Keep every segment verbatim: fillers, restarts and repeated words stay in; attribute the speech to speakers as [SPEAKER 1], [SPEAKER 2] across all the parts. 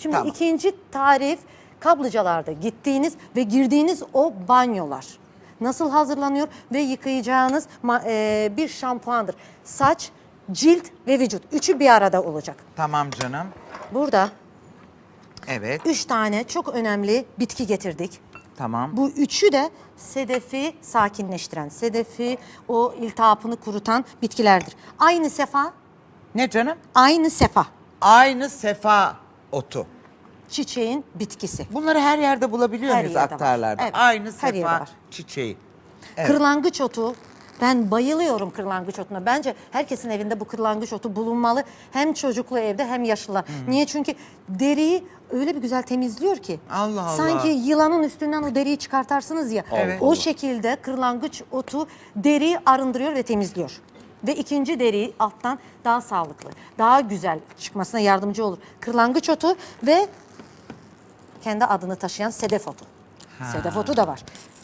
[SPEAKER 1] Şimdi
[SPEAKER 2] Tamam.
[SPEAKER 1] ikinci tarif kaplıcalarda gittiğiniz ve girdiğiniz o banyolar. Nasıl hazırlanıyor ve yıkayacağınız e, bir şampuandır. Saç, cilt ve vücut. Üçü bir arada olacak.
[SPEAKER 2] Tamam canım.
[SPEAKER 1] Burada
[SPEAKER 2] Evet.
[SPEAKER 1] üç tane çok önemli bitki getirdik.
[SPEAKER 2] Tamam.
[SPEAKER 1] Bu üçü de sedefi sakinleştiren, sedefi o iltihapını kurutan bitkilerdir. Aynı sefa,
[SPEAKER 2] Ne canım?
[SPEAKER 1] aynı sefa
[SPEAKER 2] Aynı sefa otu.
[SPEAKER 1] çiçeğin bitkisi.
[SPEAKER 2] Bunları her yerde bulabiliyor
[SPEAKER 1] Her
[SPEAKER 2] muyuz
[SPEAKER 1] yerde var.
[SPEAKER 2] aktarlarda?
[SPEAKER 1] Evet,
[SPEAKER 2] Aynı
[SPEAKER 1] her yerde
[SPEAKER 2] sefa
[SPEAKER 1] var.
[SPEAKER 2] çiçeği. Evet.
[SPEAKER 1] Kırlangıç otu. Ben bayılıyorum kırlangıç otuna. Bence herkesin evinde bu kırlangıç otu bulunmalı. Hem çocuklu evde hem yaşlılar. Hmm. Niye? Çünkü deriyi öyle bir güzel temizliyor ki.
[SPEAKER 2] Allah Allah.
[SPEAKER 1] Sanki yılanın üstünden o deriyi çıkartarsınız ya.
[SPEAKER 2] Evet.
[SPEAKER 1] O şekilde kırlangıç otu deriyi arındırıyor ve temizliyor. Ve ikinci deriyi alttan daha sağlıklı, daha güzel çıkmasına yardımcı olur. Kırlangıç otu ve kendi adını taşıyan sedef otu. Ha. Sedef otu da var.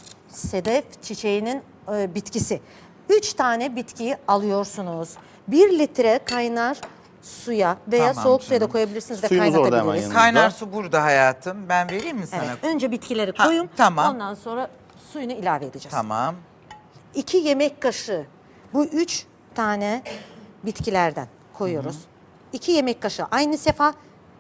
[SPEAKER 1] Sedef çiçeğinin e, bitkisi. Üç tane bitkiyi alıyorsunuz. Bir litre kaynar suya veya
[SPEAKER 2] Tamam
[SPEAKER 1] soğuk suya da
[SPEAKER 2] canım.
[SPEAKER 1] koyabilirsiniz ve
[SPEAKER 3] Suyumuz orada hemen
[SPEAKER 1] kaynatabiliriz.
[SPEAKER 3] yanında.
[SPEAKER 2] Kaynar su burada hayatım. Ben vereyim mi sana?
[SPEAKER 1] Evet, önce bitkileri
[SPEAKER 2] Ha,
[SPEAKER 1] koyun.
[SPEAKER 2] tamam.
[SPEAKER 1] Ondan sonra suyunu ilave edeceğiz.
[SPEAKER 2] Tamam.
[SPEAKER 1] İki yemek kaşığı bu üç tane bitkilerden koyuyoruz. Hı hı. İki yemek kaşığı aynı sefa.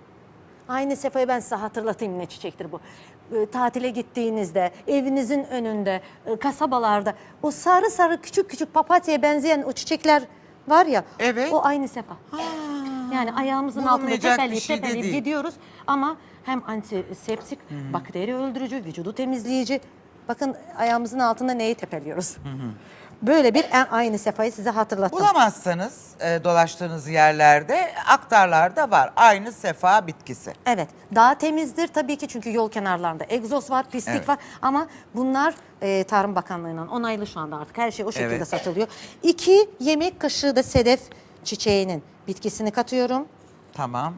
[SPEAKER 1] Aynı sefayı ben size hatırlatayım ne çiçektir bu. E, tatile gittiğinizde, evinizin önünde, e, kasabalarda o sarı sarı küçük küçük papatyaya benzeyen o çiçekler var ya.
[SPEAKER 2] Evet.
[SPEAKER 1] O aynı sefa. Ha. Yani ayağımızın altında
[SPEAKER 2] Bulunmayacak bir
[SPEAKER 1] tepeleyip
[SPEAKER 2] şey de
[SPEAKER 1] tepeleyip
[SPEAKER 2] değil.
[SPEAKER 1] gidiyoruz. Ama hem antiseptik, hı-hı, bakteri öldürücü, vücudu temizleyici. Bakın ayağımızın altında neyi tepeliyoruz. Hı hı. Böyle bir en aynı sefayı size hatırlattım.
[SPEAKER 2] Bulamazsanız e, dolaştığınız yerlerde aktarlarda var. Aynı sefa bitkisi.
[SPEAKER 1] Evet. Daha temizdir tabii ki çünkü yol kenarlarında egzoz var, pislik
[SPEAKER 2] Evet.
[SPEAKER 1] var. Ama bunlar e, Tarım Bakanlığı'ndan onaylı şu anda artık. Her şey o şekilde
[SPEAKER 2] Evet.
[SPEAKER 1] satılıyor. İki yemek kaşığı da sedef çiçeğinin bitkisini katıyorum.
[SPEAKER 2] Tamam.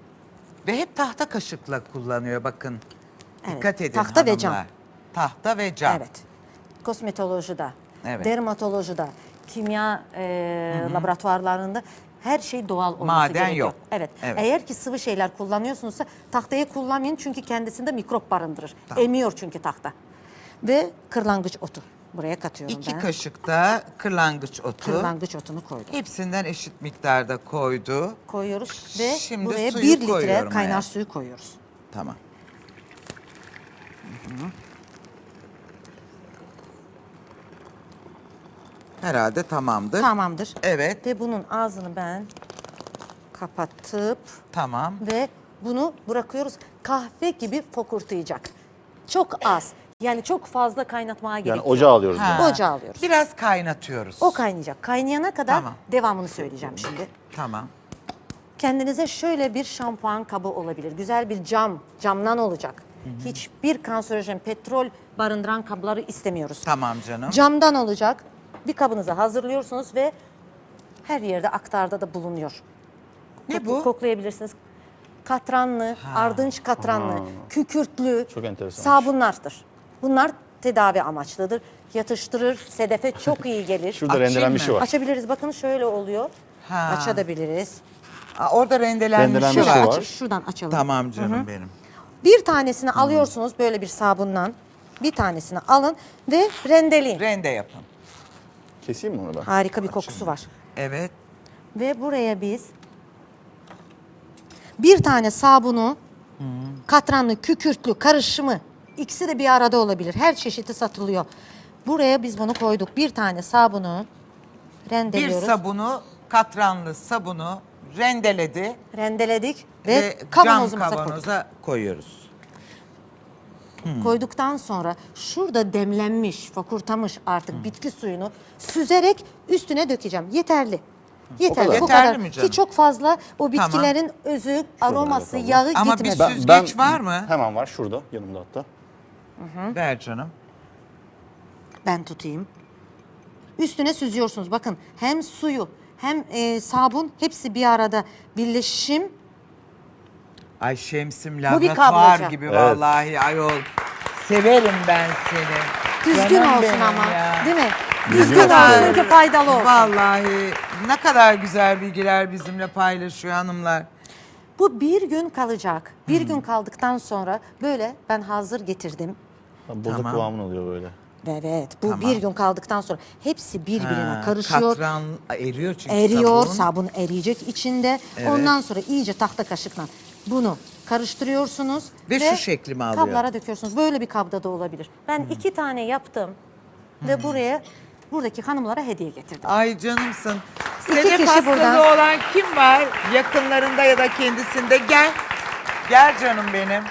[SPEAKER 2] Ve hep tahta kaşıkla kullanıyor bakın.
[SPEAKER 1] Evet,
[SPEAKER 2] Dikkat edin
[SPEAKER 1] tahta ve
[SPEAKER 2] hanımlar.
[SPEAKER 1] cam.
[SPEAKER 2] Tahta ve cam.
[SPEAKER 1] Evet. Kosmetolojide,
[SPEAKER 2] Evet.
[SPEAKER 1] dermatolojide, kimya e, laboratuvarlarında her şey doğal olması
[SPEAKER 2] Maden
[SPEAKER 1] gerekiyor.
[SPEAKER 2] yok.
[SPEAKER 1] Evet.
[SPEAKER 2] Evet.
[SPEAKER 1] Eğer ki sıvı şeyler kullanıyorsunuzsa tahtayı kullanmayın çünkü kendisinde mikrop barındırır.
[SPEAKER 2] Tamam.
[SPEAKER 1] Emiyor çünkü tahta. Ve kırlangıç otu. Buraya katıyorum
[SPEAKER 2] İki
[SPEAKER 1] ben.
[SPEAKER 2] kaşık da kırlangıç otu.
[SPEAKER 1] Kırlangıç otunu koydum.
[SPEAKER 2] Hepsinden eşit miktarda koydu.
[SPEAKER 1] Koyuyoruz ve
[SPEAKER 2] Şimdi
[SPEAKER 1] buraya
[SPEAKER 2] suyu
[SPEAKER 1] bir litre
[SPEAKER 2] koyuyorum
[SPEAKER 1] kaynar
[SPEAKER 2] hayatım.
[SPEAKER 1] suyu koyuyoruz.
[SPEAKER 2] Tamam. Hı hı. Herhalde tamamdır.
[SPEAKER 1] Tamamdır.
[SPEAKER 2] Evet.
[SPEAKER 1] Ve bunun ağzını ben kapatıp
[SPEAKER 2] Tamam.
[SPEAKER 1] ve bunu bırakıyoruz. Kahve gibi fokurtayacak. Çok az. Yani çok fazla kaynatmaya gerek
[SPEAKER 3] Yani
[SPEAKER 1] yok.
[SPEAKER 3] ocağa alıyoruz.
[SPEAKER 2] Ha.
[SPEAKER 3] bunu.
[SPEAKER 1] Ocağa alıyoruz.
[SPEAKER 2] Biraz kaynatıyoruz.
[SPEAKER 1] O kaynayacak. Kaynayana kadar
[SPEAKER 2] Tamam.
[SPEAKER 1] devamını söyleyeceğim şimdi.
[SPEAKER 2] Tamam.
[SPEAKER 1] Kendinize şöyle bir şampuan kabı olabilir. Güzel bir cam, camdan olacak. Hı hı. Hiçbir kanserojen, petrol barındıran kabları istemiyoruz.
[SPEAKER 2] Tamam canım.
[SPEAKER 1] Camdan olacak. Bir kabınızı hazırlıyorsunuz ve her yerde aktarda da bulunuyor.
[SPEAKER 2] Ne
[SPEAKER 1] Kok-
[SPEAKER 2] bu?
[SPEAKER 1] Koklayabilirsiniz. Katranlı, ardınç katranlı, kükürtlü
[SPEAKER 3] Çok enteresan.
[SPEAKER 1] sabunlardır. Bunlar tedavi amaçlıdır. Yatıştırır, sedefe çok iyi gelir.
[SPEAKER 3] Şurada
[SPEAKER 2] Açayım
[SPEAKER 3] rendelenmiş
[SPEAKER 2] mı?
[SPEAKER 3] şey var.
[SPEAKER 1] Açabiliriz. Bakın şöyle oluyor.
[SPEAKER 2] Ha.
[SPEAKER 1] Açabiliriz.
[SPEAKER 2] Aa, orada rendelenmiş
[SPEAKER 3] Rendelenmiş
[SPEAKER 2] var.
[SPEAKER 3] şey
[SPEAKER 1] Aç-
[SPEAKER 3] var.
[SPEAKER 1] şuradan açalım.
[SPEAKER 2] Tamam canım benim.
[SPEAKER 1] Bir tanesini alıyorsunuz böyle bir sabundan. Bir tanesini alın ve rendeleyin.
[SPEAKER 2] Rende yapın.
[SPEAKER 3] Keseyim mi onu ben?
[SPEAKER 1] Harika bir kokusu var.
[SPEAKER 2] Evet.
[SPEAKER 1] Ve buraya biz bir tane sabunu, katranlı, kükürtlü karışımı, ikisi de bir arada olabilir. Her çeşidi satılıyor. Buraya biz bunu koyduk. Bir tane sabunu
[SPEAKER 2] Bir
[SPEAKER 1] rendeliyoruz.
[SPEAKER 2] sabunu, katranlı sabunu rendeledi
[SPEAKER 1] Rendeledik ve,
[SPEAKER 2] ve cam
[SPEAKER 1] kavanozumuza koyduk.
[SPEAKER 2] kavanoza koyuyoruz.
[SPEAKER 1] Koyduktan sonra şurada demlenmiş, fokurtamış artık bitki suyunu süzerek üstüne dökeceğim. Yeterli. Yeterli.
[SPEAKER 3] kadar.
[SPEAKER 1] Bu
[SPEAKER 2] Yeterli
[SPEAKER 1] kadar.
[SPEAKER 2] mi canım?
[SPEAKER 1] Ki çok fazla o bitkilerin özü, aroması,
[SPEAKER 3] bakalım.
[SPEAKER 1] yağı
[SPEAKER 2] Ama bir
[SPEAKER 1] gitmesin.
[SPEAKER 2] süzgeç var mı?
[SPEAKER 3] Hemen var şurada yanımda hatta.
[SPEAKER 2] Ver canım.
[SPEAKER 1] Ben tutayım. Üstüne süzüyorsunuz. Bakın hem suyu hem e, sabun hepsi bir arada birleşim.
[SPEAKER 2] Ay Şemsim
[SPEAKER 1] bir
[SPEAKER 2] laboratuvar
[SPEAKER 1] kabloca.
[SPEAKER 2] gibi
[SPEAKER 3] Evet.
[SPEAKER 2] vallahi ayol. Severim ben seni.
[SPEAKER 1] Düzgün
[SPEAKER 2] Canım
[SPEAKER 1] olsun
[SPEAKER 2] benim
[SPEAKER 1] ama.
[SPEAKER 2] ya.
[SPEAKER 1] Değil mi?
[SPEAKER 3] Düzgün
[SPEAKER 1] Düzgün
[SPEAKER 3] olsun.
[SPEAKER 1] olsun ki faydalı olsun.
[SPEAKER 2] Vallahi ne kadar güzel bilgiler bizimle paylaşıyor hanımlar.
[SPEAKER 1] Bu bir gün kalacak. Bir gün kaldıktan sonra böyle ben hazır getirdim.
[SPEAKER 3] Ha, boza
[SPEAKER 2] Tamam.
[SPEAKER 3] kıvamını alıyor böyle.
[SPEAKER 1] Evet, bu
[SPEAKER 2] Tamam.
[SPEAKER 1] bir gün kaldıktan sonra hepsi birbirine
[SPEAKER 2] Ha,
[SPEAKER 1] karışıyor.
[SPEAKER 2] Katran eriyor çünkü
[SPEAKER 1] Eriyor,
[SPEAKER 2] sabun.
[SPEAKER 1] sabun eriyecek içinde.
[SPEAKER 2] Evet.
[SPEAKER 1] Ondan sonra iyice tahta kaşıkla bunu karıştırıyorsunuz.
[SPEAKER 2] Ve şu şekli mi alıyor?
[SPEAKER 1] Kablara döküyorsunuz. Böyle bir kabda da olabilir. Ben iki tane yaptım ve buraya buradaki hanımlara hediye getirdim.
[SPEAKER 2] Ay canımsın.
[SPEAKER 1] İki
[SPEAKER 2] Sedef
[SPEAKER 1] kişi
[SPEAKER 2] hastalığı
[SPEAKER 1] buradan.
[SPEAKER 2] olan kim var? Yakınlarında ya da kendisinde gel. Gel canım benim.